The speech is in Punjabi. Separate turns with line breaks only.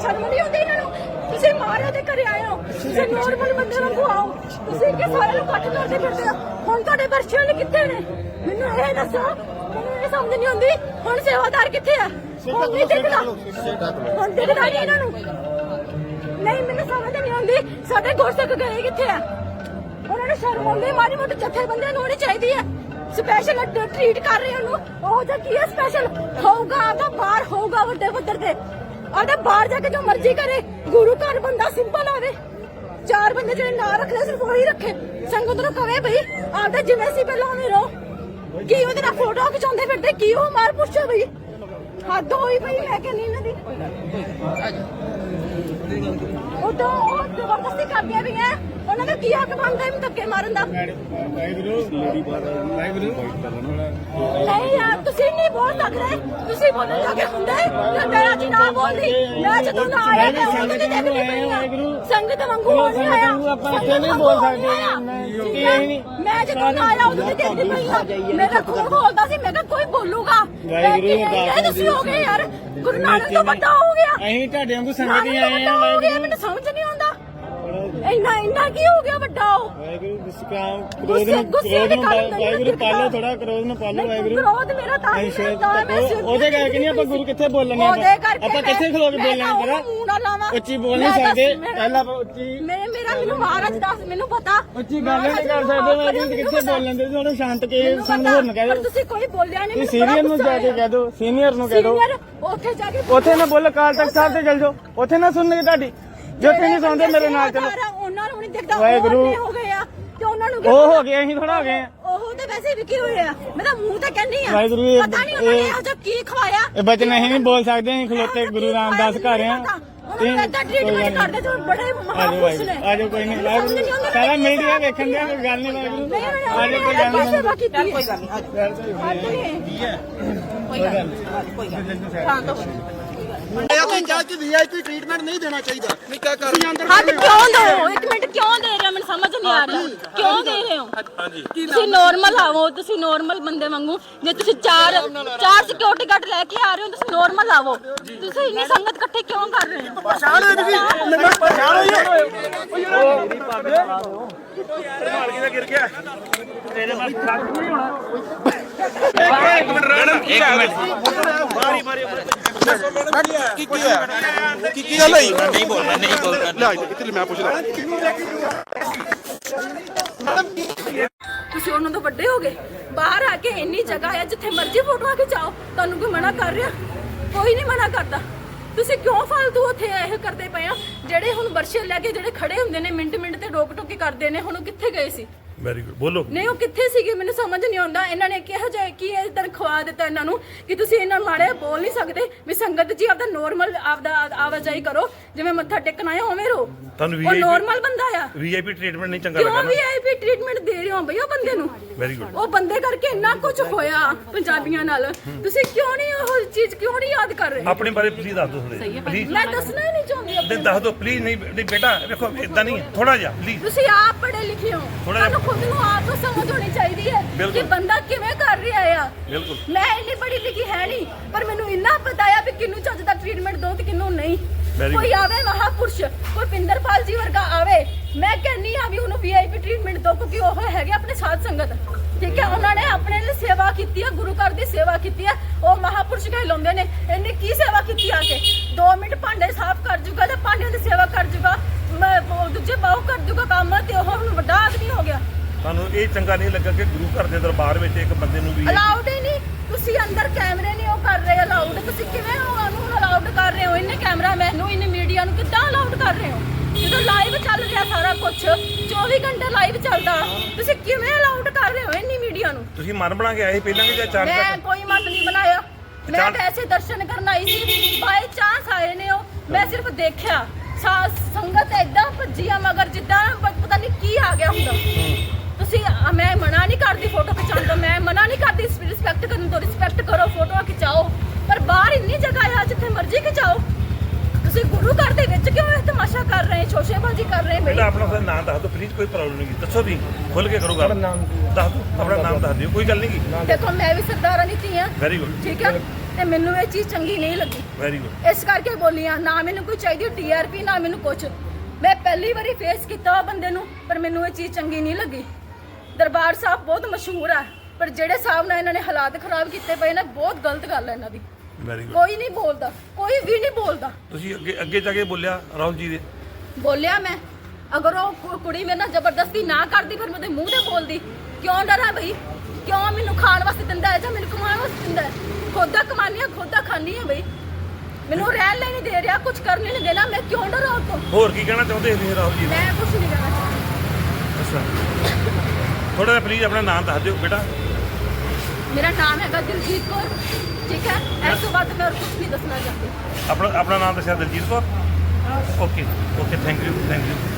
ਸ਼ਰਮ ਨਹੀਂ ਆਉਂਦੀ ਇਹਨਾਂ ਨੂੰ? ਤੁਸੀਂ ਮਾਰਿਆ ਦੇ ਘਰੇ ਆਏ ਹੋ, ਤੁਸੀਂ ਨੋਰਮਲ ਬੰਦੇ ਨੂੰ ਆਓ, ਤੁਸੀਂ ਕਿ ਸਾਰਿਆਂ ਨੂੰ ਇਕੱਠ ਕਰਦੇ ਫਿਰਦੇ ਹੋ। ਹੁਣ ਤੁਹਾਡੇ ਬਰਸ਼ੀਆਂ ਨੇ ਕਿੱਥੇ ਨੇ? ਮੈਨੂੰ ਇਹ ਦੱਸੋ, ਮੈਨੂੰ ਇਹ ਸਮਝ ਨਹੀਂ ਆਉਂਦੀ। ਹੁਣ ਸੇਵਾਦਾਰ ਕਿੱਥੇ ਆ? ਹੁਣ ਨਹੀਂ ਦਿਖਦਾ, ਹੁਣ ਦਿਖਦਾ ਨਹੀਂ ਇਹਨਾਂ ਨੂੰ। ਨਹੀਂ, ਮੈਨੂੰ ਸਮਝ ਨਹੀਂ ਆਉਂਦੀ ਸਾਡੇ ਗੁਰਸਿੱਖ ਗਏ ਕਿੱਥੇ ਆ? ਉਹਨਾਂ ਨੂੰ ਸ਼ਰਮ ਆਉਂਦੀ, ਮਾੜੀ ਮੋਟੀ ਜਥੇਬੰਦੀਆਂ ਨੂੰ ਹੋਣੀ ਚਾਹੀਦੀ ਹੈ। ਸਪੈਸ਼ਲ ਟ੍ਰੀਟ ਕਰ ਰਹੇ ਉਹਨੂੰ, ਉਹ ਜਾਂ ਕੀ ਹੈ ਸਪੈਸ਼ਲ ਹੋਊਗਾ, ਆਪਦਾ ਬਾਹਰ ਹੋਊਗਾ ਵੱਡੇ ਪੱਧਰ ਤੇ, ਆਪਦਾ ਬਾਹਰ ਜਾ ਕੇ ਜੋ ਮਰਜ਼ੀ ਕਰੇ। ਗੁਰੂ ਘਰ ਬੰਦਾ ਸਿੰਪਲ ਆਵੇ, 4 ਬੰਦੇ ਜਿਹੜੇ ਨਾ ਰੱਖਦੇ ਸਿਰਫ ਉਹੀ ਰੱਖੇ। ਸੰਗਤ ਨੂੰ ਕਵੇ ਬਈ ਆਪਦਾ ਜਿਵੇਂ ਸੀ ਪਹਿਲਾਂ ਉਵੇਂ ਰਹੋ। ਕੀ ਉਹਦੇ ਨਾਲ ਫੋਟੋ ਖਿਚਾਉਂਦੇ ਫਿਰਦੇ, ਕੀ ਉਹ ਮਾਰ ਪੁੱਛੋ ਬਈ, ਹੱਦ ਹੋਈ ਪਈ। ਮੈਂ ਕਹਿੰਦੀ ਇਹਨਾਂ ਦੀ ਉਦੋਂ ਉਹ ਜ਼ਬਰਦਸਤੀ ਕਰਦੀਆਂ ਵੀ ਹੈ, ਉਹਨਾਂ ਦਾ ਕੀ ਹੱਕ ਬਣਦਾ ਇਹਨੂੰ ਧੱਕੇ ਮਾਰਨ ਦਾ? ਨਹੀਂ ਯਾਰ, ਤੁਸੀਂ ਨਹੀਂ ਬੋਲ ਸਕਦੇ, ਤੁਸੀਂ ਬੋਲਣ ਲੱਗੇ ਹੁੰਦੇ। ਮੈਂ ਅੱਜ ਨਾ ਬੋਲਦੀ, ਮੈਂ ਜਦੋਂ ਨਾ ਆਇਆ ਮੈਂ ਉਦੋਂ ਦੀ ਦੇਖਦੀ ਪਈ ਹਾਂ। ਸੰਗਤ ਵਾਂਗੂ ਹੋ ਨਹੀਂ ਆਇਆ, ਆਪਾਂ ਇੱਥੇ ਨਹੀਂ ਬੋਲ ਸਕਦੇ। ਮੈਂ ਜਦੋਂ ਨਾ ਆਇਆ ਉਦੋਂ ਦੀ ਦੇਖਦੀ ਪਈ ਹਾਂ, ਮੇਰਾ ਖੂਨ ਬੋਲਦਾ ਸੀ। ਮੈਂ ਕਿਹਾ ਕੋਈ ਬੋਲੂਗਾ, ਇਹ ਤੁਸੀਂ ਹੋ ਗਏ ਯਾਰ, ਗੁਰੂ ਨਾਨਕ ਤੋਂ ਵੱਡਾ ਹੋ ਗਿਆ।
ਅਸੀਂ ਤੁਹਾਡੇ ਵਾਂਗੂ ਸੰਗਤ ਹੀ ਆਏ ਆ।
ਮੈਨੂੰ ਸਮਝ ਨਹੀਂ ਆਉਂਦਾ ਇੰਨਾ ਕੀ ਹੋ ਗਿਆ ਵੱਡਾ? ਉਹ
ਵਾਹਿਗੁਰੂ ਪਾਲੋ, ਥੋੜਾ ਕਰੋਧ ਨੂੰ ਪਾਲੋ। ਵਾਹਿਗੁਰੂ
ਕਰੋਧ ਮੇਰਾ ਤਾਂ
ਉਹਦੇ ਕਰਕੇ ਨਹੀਂ ਆਪਾਂ ਗੁਰੂ ਕਿੱਥੇ ਬੋਲਣੇ, ਆਪਾਂ ਕਿੱਥੇ ਖਲੋ ਕੇ ਬੋਲਣਾ? ਉੱਚੀ ਬੋਲ ਨਹੀਂ ਸਕਦੇ, ਪਹਿਲਾਂ ਉੱਚੀ
ਮੈਨੂੰ ਮਹਾਰਾਜ ਦੱਸ, ਮੈਨੂੰ ਪਤਾ
ਉੱਚੀ ਗੱਲ ਨਹੀਂ ਕਰ ਸਕਦੇ। ਵਾਹਿਗੁਰੂ ਕਿੱਥੇ ਬੋਲਣ ਦੇ, ਥੋੜਾ ਸ਼ਾਂਤ ਕੇ ਸਮਝੋ ਨਾ ਕਹਿ ਦੋ।
ਤੁਸੀਂ ਕੋਈ ਬੋਲਿਆ ਨਹੀਂ,
ਸੀਨੀਅਰ ਨੂੰ ਜਾ ਕੇ ਕਹਿ ਦੋ, ਸੀਨੀਅਰ ਨੂੰ ਕਹਿ ਦੋ।
ਉੱਥੇ ਜਾ ਕੇ
ਉੱਥੇ ਨਾ ਬੋਲੋ, ਅਕਾਲ ਤਖਤ ਸਾਹਿਬ ਤੇ ਚਲ ਜਾਓ, ਉੱਥੇ ਨਾ ਸੁਣਨਗੇ ਤੁਹਾਡੀ। ਜੇ ਉੱਥੇ ਨਹੀਂ ਸੁਣਦੇ ਮੇਰੇ ਨਾਲ ਚਲੋ।
ਉਹਨਾਂ ਨੂੰ ਨਹੀਂ ਦਿਖਦਾ,
ਵਾਹਿਗੁਰੂ
ਹੋ ਗਏ ਆ ਤੇ ਉਹਨਾਂ ਨੂੰ
ਉਹ ਹੋ ਗਏ, ਅਸੀਂ ਥੋੜਾ ਹੋ ਗਏ ਆ।
ਉਹ ਤਾਂ ਵੈਸੇ ਵੀ ਕੀ ਹੋਇਆ, ਮੈਂ ਤਾਂ ਮੂੰਹ ਤੇ ਕਹਿੰਦੀ ਆ।
ਵਾਹਿਗੁਰੂ
ਪਤਾ ਨਹੀਂ ਉਹਨਾਂ ਨੇ ਇਹੋ ਜਿਹਾ ਕੀ ਖਵਾਇਆ।
ਇਹ ਬਚਨ ਅਸੀਂ ਨਹੀਂ ਬੋਲ ਸਕਦੇ, ਅਸੀਂ ਖਲੋਤੇ ਗੁਰੂ ਰਾਮਦਾਸ ਘਰ ਆ।
ਉਹਨਾਂ ਦਾ ਟ੍ਰੀਟਮੈਂਟ ਕਰਦੇ ਜੋ ਬੜੇ ਮਹਾਪੁਰਸ਼ ਨੇ।
ਆਜੋ ਕੋਈ ਨਹੀਂ, ਵਾਹਿਗੁਰੂ ਸਾਰਾ ਮੀਡੀਆ ਵੇਖਣ ਦੇ, ਕੋਈ ਗੱਲ ਨਹੀਂ। ਵਾਹਿਗੁਰੂ ਆਜੋ, ਕੋਈ ਗੱਲ ਨਹੀਂ,
ਕੋਈ ਗੱਲ ਨਹੀਂ। ਸ਼ਾਂਤ ਹੋ
ਵੀਆਈਪੀ ਟ੍ਰੀਟਮੈਂਟ ਨਹੀਂ ਦੇਣਾ ਚਾਹੀਦਾ।
ਹੱਦ ਕਿਉਂ ਦੋ? ਇੱਕ ਮਿੰਟ, ਕਿਉਂ ਦੇ ਰਹੇ ਹੋ? ਮੈਨੂੰ ਸਮਝ ਨਹੀਂ ਆ ਰਹੀ, ਕਿਉਂ ਦੇ ਰਹੇ ਹੋ? ਤੁਸੀਂ ਨੋਰਮਲ ਆਵੋ, ਤੁਸੀਂ ਨੋਰਮਲ ਬੰਦੇ ਵਾਂਗੂ। ਜੇ ਤੁਸੀਂ ਚਾਰ ਸਿਕਿਉਰਿਟੀ ਗਾਰਡ ਲੈ ਕੇ ਆ ਰਹੇ ਹੋ, ਤੁਸੀਂ ਨੋਰਮਲ ਆਵੋ। ਤੁਸੀਂ ਇੰਨੀ ਸੰਗਤ ਇਕੱਠੇ ਕਿਉਂ ਕਰ ਰਹੇ ਹੋ?
ਪਛਾਣ ਹੋਈ ਤੁਸੀਂ, ਮੈਨੂੰ ਪਛਾਣ ਹੋਈ
ਮੇਰੀ ਪੱਗ ਮਾਲਕੀ ਦਾ ਗਿਰ ਗਿਆ ਤੇਰੇ ਵੱਲ ਛੱਡ ਨਹੀਂ ਹੋਣਾ। ਇੱਕ ਮਿੰਟ ਰਹਿਣਾ, ਇੱਕ ਮਿੰਟ ਮਾਰੀ ਕੀ ਗੱਲ ਹੋਈ? ਨਹੀਂ ਬੋਲਣਾ ਲੈ ਇੱਥੇ ਮੈਂ ਪੁੱਛਦਾ।
ਤੁਸੀਂ ਉਹਨਾਂ ਤੋਂ ਵੱਡੇ ਹੋ ਗਏ, ਬਾਹਰ ਆ ਕੇ ਇੰਨੀ ਜਗ੍ਹਾ ਹੈ ਜਿੱਥੇ ਮਰਜ਼ੀ ਫੋਟੋਆਂ ਖਿਚਾਓ। ਤੁਹਾਨੂੰ ਕੋਈ ਮਨਾ ਕਰ ਰਿਹਾ? ਕੋਈ ਨਹੀਂ ਮਨਾ ਕਰਦਾ। ਤੁਸੀਂ ਕਿਉਂ ਫालतू ਉੱਥੇ ਇਹ ਕਰਦੇ ਪਏ ਆ? ਜਿਹੜੇ ਹੁਣ ਵਰਸ਼ੇ ਲੈ ਕੇ ਜਿਹੜੇ ਖੜੇ ਹੁੰਦੇ ਨੇ, ਮਿੰਟ ਤੇ ਰੋਕ ਟੋਕੀ ਕਰਦੇ ਨੇ, ਹੁਣ ਉਹ ਕਿੱਥੇ ਗਏ ਸੀ?
ਵੈਰੀ ਗੁੱਡ, ਬੋਲੋ।
ਨਹੀਂ, ਉਹ ਕਿੱਥੇ ਸੀਗੇ? ਮੈਨੂੰ ਸਮਝ ਨਹੀਂ ਆਉਂਦਾ। ਇਹਨਾਂ ਨੇ ਕਿਹੋ ਜਿਹਾ ਕੀ ਇਦਾਂ ਖਵਾ ਦਿੱਤਾ ਇਹਨਾਂ ਨੂੰ ਕਿ ਤੁਸੀਂ ਇਹਨਾਂ ਮਾੜੇ ਬੋਲ ਨਹੀਂ ਸਕਦੇ ਵੀ ਸੰਗਤ ਜੀ ਆਪਦਾ ਨੋਰਮਲ ਆਪਦਾ ਆਵਾਜਾਈ ਕਰੋ, ਜਿਵੇਂ ਮੱਥਾ ਟੇਕਣਾ ਹੈ ਉਵੇਂ ਰਹੋ।
ਤੁਹਾਨੂੰ
ਉਹ ਨੋਰਮਲ ਬੰਦਾ ਆ।
ਵੀਆਈਪੀ ਟ੍ਰੀਟਮੈਂਟ ਨਹੀਂ ਚੰਗਾ
ਕਿਉਂ
ਲੱਗਾ ਨਾ?
ਵੀਆਈਪੀ ਟ੍ਰੀਟਮੈਂਟ ਦੇ ਰਹੇ ਹੋ ਬਈ ਉਹ ਬੰਦੇ ਨੂੰ?
Very good.
ਉਹ ਬੰਦੇ ਕਰਕੇ ਇੰਨਾ ਕੁਝ ਹੋਇਆ ਪੰਜਾਬੀਆਂ ਨਾਲ, ਤੁਸੀਂ ਕਿਉਂ ਨਹੀਂ ਉਹ ਚੀਜ਼ ਕਿਉਂ ਨਹੀਂ ਯਾਦ ਕਰ ਰਹੇ?
ਆਪਣੇ ਬਾਰੇ ਪਲੀਜ਼ ਦੱਸ ਦਿਓ ਥੋੜੇ, ਪਲੀਜ਼।
ਮੈਂ ਦੱਸਣਾ ਹੀ ਨਹੀਂ ਚਾਹੁੰਦੀ ਆਪਣੇ
ਦੱਸ ਦਿਓ ਪਲੀਜ਼। ਨਹੀਂ ਬੇਟਾ ਵੇਖੋ, ਇਦਾਂ ਨਹੀਂ, ਥੋੜਾ ਜਿਹਾ ਪਲੀਜ਼।
ਤੁਸੀਂ ਆਪ ਪੜ੍ਹੇ ਲਿਖੇ ਹੋ, ਤੁਹਾਨੂੰ ਖੁਦ ਨੂੰ ਆਪ ਨੂੰ ਸਮਝ ਹੋਣੀ ਚਾਹੀਦੀ ਹੈ ਕਿ ਬੰਦਾ ਕਿਵੇਂ ਕਰ ਰਿਹਾ ਆ।
ਬਿਲਕੁਲ।
ਮੈਂ ਇੰਨੀ ਪੜ੍ਹੀ ਲਿਖੀ ਹੈ ਨਹੀਂ, ਪਰ ਮੈਨੂੰ ਇੰਨਾ ਪਤਾ ਆ ਵੀ ਕਿਹਨੂੰ ਚੱਜ ਦਾ ਟ੍ਰੀਟਮੈਂਟ ਦੋ ਤੇ ਕਿਹਨੂੰ ਨਹੀਂ। ਕੋਈ ਆਵੇ ਮਹਾਪੁਰਸ਼, ਕੋਈ ਪਿੰਦਰਪਾਲ ਜੀ ਵਰਗਾ ਆਵੇ, ਮੈਂ ਕਹਿੰਨੀ ਆ ਵੀ ਉਹਨੂੰ ਵੀਆਈਪੀ ਟ੍ਰੀਟਮੈਂਟ ਦੋ, ਕਿਉਂਕਿ ਉਹ ਹੈਗੇ ਆਪਣੇ ਸਾਧ ਸੰਗਤ। ਠੀਕ ਹੈ, ਉਹਨਾਂ ਨੇ ਆਪਣੇ ਲਈ ਸੇਵਾ ਕੀਤੀ ਹੈ, ਗੁਰੂ ਘਰ ਦੀ ਸੇਵਾ ਕੀਤੀ ਹੈ, ਉਹ ਮਹਾਪੁਰਸ਼ ਕਹਿਲਾਉਂਦੇ ਨੇ। ਇਹਨੇ ਕੀ ਸੇਵਾ ਕੀਤੀ ਆ ਕੇ? 2 ਮਿੰਟ ਭਾਂਡੇ ਸਾਫ਼ ਕਰ ਜੂਗਾ ਤੇ ਭਾਂਡਿਆਂ ਦੀ ਸੇਵਾ ਕਰ ਜੂਗਾ, ਦੂਜੇ ਬਾਹੂ ਕਰ ਜੂਗਾ ਕੰਮ, ਤੇ ਉਹ ਹੁਣ ਵੱਡਾ ਆਦਮੀ ਹੋ ਗਿਆ।
ਤੁਹਾਨੂੰ ਇਹ ਚੰਗਾ ਨਹੀਂ ਲੱਗਾ ਕਿ ਗੁਰੂ ਘਰ ਦੇ ਦਰਬਾਰ ਵਿੱਚ ਇੱਕ ਬੰਦੇ ਨੂੰ ਵੀ
ਅਲਾਉਡ ਹੀ ਨਹੀਂ? ਤੁਸੀਂ ਅੰਦਰ ਕੈਮਰੇ ਨਹੀਂ ਉਹ ਕਰ ਰਹੇ ਅਲਾਉਡ, ਤੁਸੀਂ ਕਿਵੇਂ ਉਹਨੂੰ ਅਲਾਉਡ ਕਰ ਰਹੇ ਹੋ? ਇਹਨੇ ਕੈਮਰਾਮੈਨ ਨੂੰ, ਇਹਨੇ ਮੀਡੀਆ ਨੂੰ ਕਿੱਦਾਂ ਅਲਾਉਡ ਕਰ ਰਹੇ ਹੋ? ਜਦੋਂ ਲਾਈਵ ਚੱਲ ਰਿਹਾ ਸਾਰਾ ਕੁਝ, 24 ਘੰਟੇ ਲਾਈਵ ਚੱਲਦਾ, ਤੁਸੀਂ ਕਿਵੇਂ ਅਲਾਉਡ ਕਰ ਰਹੇ ਹੋ ਇੰਨੀ ਮੀਡੀਆ ਨੂੰ?
ਤੁਸੀਂ ਮਨ ਬਣਾ ਕੇ ਆਏ ਪਹਿਲਾਂ ਕਿ ਜਾਂ ਚਾਰ
ਮੈਂ ਕੋਈ ਮਨ ਨਹੀਂ ਬਣਾਇਆ, ਮੈਂ ਵੈਸੇ ਦਰਸ਼ਨ ਕਰਨ ਆਈ ਸੀ, ਬਾਈ ਚਾਂਸ ਆਏ ਨੇ ਉਹ, ਮੈਂ ਸਿਰਫ ਦੇਖਿਆ। ਸੰਗਤ ਏਦਾਂ ਭੱਜੀ ਆ ਮਗਰ ਜਿੱਦਾਂ ਪਤਾ ਨਹੀਂ ਕੀ ਆ ਗਿਆ ਹੁੰਦਾ। ਤੁਸੀਂ ਮੈਂ ਮਨਾ ਨਹੀਂ ਕਰਦੀ ਫੋਟੋ ਖਿਚਾਉਣ ਤੋਂ, ਮੈਂ ਮਨਾ ਨਹੀਂ ਕਰਦੀ ਰਿਸਪੈਕਟ ਕਰਨ ਤੋਂ, ਰਿਸਪੈਕਟ ਕਰੋ, ਫੋਟੋਆਂ ਖਿਚਾਓ, ਪਰ ਬਾਹਰ ਇੰਨੀ ਜਗ੍ਹਾ ਆ ਜਿੱਥੇ ਮਰਜ਼ੀ ਖਿਚਾਓ। ਤੁਸੀਂ ਗੁਰੂ ਘਰ ਦੇ ਵਿੱਚ ਕਿਉਂ ਇਹ ਤਮਾਸ਼ਾ ਕਰ ਰਹੇ, ਸ਼ੋਸ਼ੇਬਾਜ਼ੀ ਕਰ ਰਹੇ?
ਪਹਿਲਾਂ ਆਪਣਾ ਨਾਮ ਦੱਸ ਦਿਓ ਪਲੀਜ਼, ਕੋਈ ਪ੍ਰੋਬਲਮ ਨਹੀਂ, ਦੱਸੋ ਵੀ ਖੁੱਲ ਕੇ ਕਰੋ ਗੱਲ। ਦੱਸ ਦਿਓ ਆਪਣਾ ਨਾਮ, ਦੱਸ ਦਿਓ, ਕੋਈ ਗੱਲ ਨਹੀਂ।
ਦੇਖੋ ਮੈਂ ਵੀ ਸਰਦਾਰਾਂ ਦੀ ਧੀ ਆ।
Very good.
ਠੀਕ ਹੈ, ਤੇ ਮੈਨੂੰ ਇਹ ਚੀਜ਼ ਚੰਗੀ ਨਹੀਂ ਲੱਗੀ।
Very good.
ਇਸ ਕਰਕੇ ਬੋਲੀ ਆ, ਨਾ ਮੈਨੂੰ ਕੋਈ ਚਾਹੀਦੀ TRP, ਨਾ ਮੈਨੂੰ ਕੁਛ। ਮੈਂ ਪਹਿਲੀ ਵਾਰੀ ਫੇਸ ਕੀਤਾ ਬੰਦੇ ਨੂੰ, ਪਰ ਮੈਨੂੰ ਇਹ ਚੀਜ਼ ਚੰਗੀ ਨਹੀਂ ਲੱਗੀ। ਦਰਬਾਰ ਸਾਹਿਬ ਬਹੁਤ ਮਸ਼ਹੂਰ ਆ, ਪਰ ਜਿਹੜੇ ਹਿਸਾਬ ਨਾਲ ਇਹਨਾਂ ਨੇ ਹਾਲਾਤ ਖਰਾਬ ਕੀਤੇ ਪਏ ਨਾ, ਬਹੁਤ ਗਲਤ ਗੱਲ ਹੈ ਇਹਨਾਂ ਦੀ।
Very good.
ਕੋਈ ਨਹੀਂ ਬੋਲਦਾ, ਕੋਈ ਵੀ ਨਹੀਂ ਬੋਲਦਾ।
ਤੁਸੀਂ ਅੱਗੇ ਜਾ ਕੇ ਬੋਲਿਆ ਰਾਹੁਲ ਜੀ ਦੇ?
ਬੋਲਿਆ ਮੈਂ, ਅਗਰ ਉਹ ਕੁੜੀ ਮੇਰੇ ਨਾਲ ਜ਼ਬਰਦਸਤੀ ਨਾ ਕਰਦੀ ਫਿਰ ਮੈਂ ਉਹਦੇ ਮੂੰਹ ਤੇ ਬੋਲਦੀ। ਕਿਉਂ ਡਰਾਂ ਬਈ? ਕਿਉਂ ਮੈਨੂੰ ਖਾਣ ਵਾਸਤੇ ਦਿੰਦਾ ਹੈ ਜਾਂ ਮੈਨੂੰ ਕਮਾਉਣ ਵਾਸਤੇ ਦਿੰਦਾ ਹੈ? ਖੁਦ ਦਾ ਕਮਾਨੀ ਆ, ਖੁਦ ਦਾ ਖਾਣੀ ਆ ਬਈ। ਮੈਨੂੰ ਰਹਿਣ ਲਈ ਨਹੀਂ ਦੇ ਰਿਹਾ, ਕੁਝ ਕਰਨ ਨਹੀਂ ਦੇਣਾ, ਮੈਂ ਕਿਉਂ ਡਰਾਂ ਉਹ ਤੋਂ?
ਹੋਰ ਕੀ ਕਹਿਣਾ ਚਾਹੁੰਦੇ ਨੇ ਰਾਹੁਲ ਜੀ?
ਮੈਂ ਕੁਝ ਨਹੀਂ ਕਹਿਣਾ ਚਾਹੁੰਦੀ।
ਅੱਛਾ, ਥੋੜਾ ਜਿਹਾ ਪਲੀਜ਼ ਆਪਣਾ ਨਾਮ ਦੱਸ ਦਿਓ ਬੇਟਾ।
ਮੇਰਾ ਨਾਮ ਹੈਗਾ ਦਿਲਜੀਤ ਕੌਰ, ਠੀਕ ਹੈ। ਇਸ ਤੋਂ ਬਾਅਦ ਮੈਂ ਕੁਝ ਨਹੀਂ ਦੱਸਣਾ ਚਾਹਤੀ।
ਆਪਣਾ ਨਾਮ ਦੱਸਿਆ Diljit Kaur. Okay okay, thank you thank you.